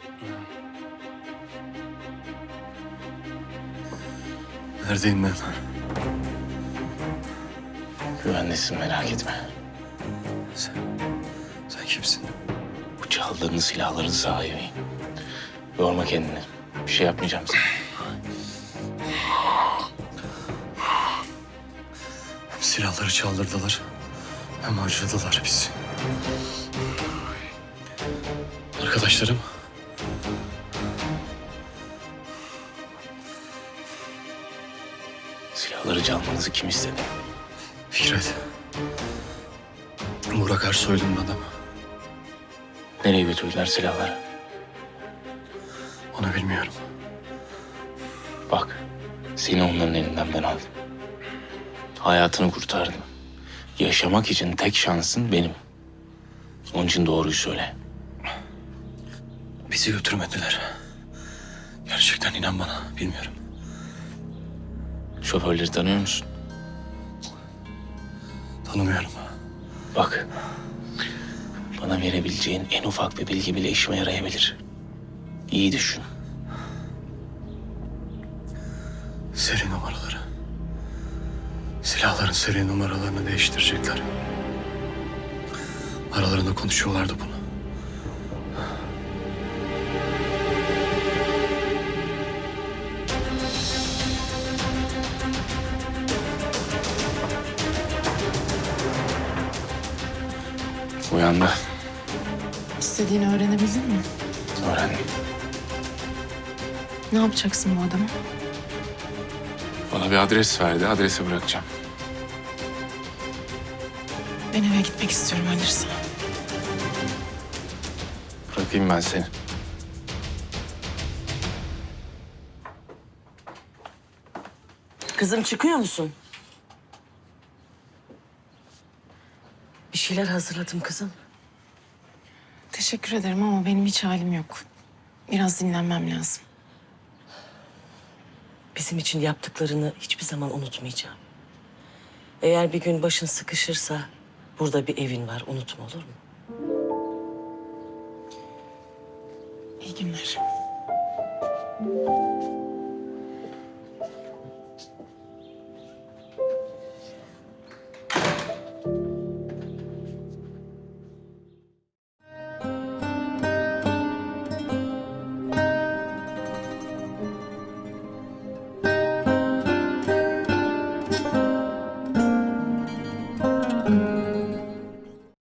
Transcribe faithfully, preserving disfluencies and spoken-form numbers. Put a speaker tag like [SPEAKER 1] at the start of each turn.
[SPEAKER 1] Neredeyim ben?
[SPEAKER 2] Güvendesin, merak etme.
[SPEAKER 1] Sen, sen kimsin?
[SPEAKER 2] Bu çaldığın silahların sahibiyim. Yorma kendini. Bir şey yapmayacağım sana.
[SPEAKER 1] Hem silahları çaldırdılar, hem harcadılar bizi. Arkadaşlarım.
[SPEAKER 2] Silahları çalmanızı kim istedi?
[SPEAKER 1] Fikret. Burak Ersoy'un adamı.
[SPEAKER 2] Nereye götürdüler silahları?
[SPEAKER 1] Onu bilmiyorum.
[SPEAKER 2] Bak, seni onların elinden ben aldım. Hayatını kurtardım. Yaşamak için tek şansın benim. Onun için doğruyu söyle.
[SPEAKER 1] Bizi götürmediler. Gerçekten inan bana, bilmiyorum.
[SPEAKER 2] Şoförleri tanıyor musun?
[SPEAKER 1] Tanımıyorum.
[SPEAKER 2] Bak, bana verebileceğin en ufak bir bilgi bile işime yarayabilir. İyi düşün.
[SPEAKER 1] Seri numaraları. Silahların seri numaralarını değiştirecekler. Aralarında konuşuyorlardı bunu.
[SPEAKER 2] Uyandı.
[SPEAKER 3] İstediğini öğrenebildin mi?
[SPEAKER 2] Öğrendim.
[SPEAKER 3] Ne yapacaksın bu adama?
[SPEAKER 2] Bana bir adres verdi. Adrese bırakacağım.
[SPEAKER 3] Ben eve gitmek istiyorum ölürse.
[SPEAKER 2] Bırakayım ben seni.
[SPEAKER 4] Kızım çıkıyor musun? Bir şeyler hazırladım kızım.
[SPEAKER 3] Teşekkür ederim ama benim hiç halim yok. Biraz dinlenmem lazım.
[SPEAKER 4] Bizim için yaptıklarını hiçbir zaman unutmayacağım. Eğer bir gün başın sıkışırsa burada bir evin var, unutma, olur mu?
[SPEAKER 3] İyi günler.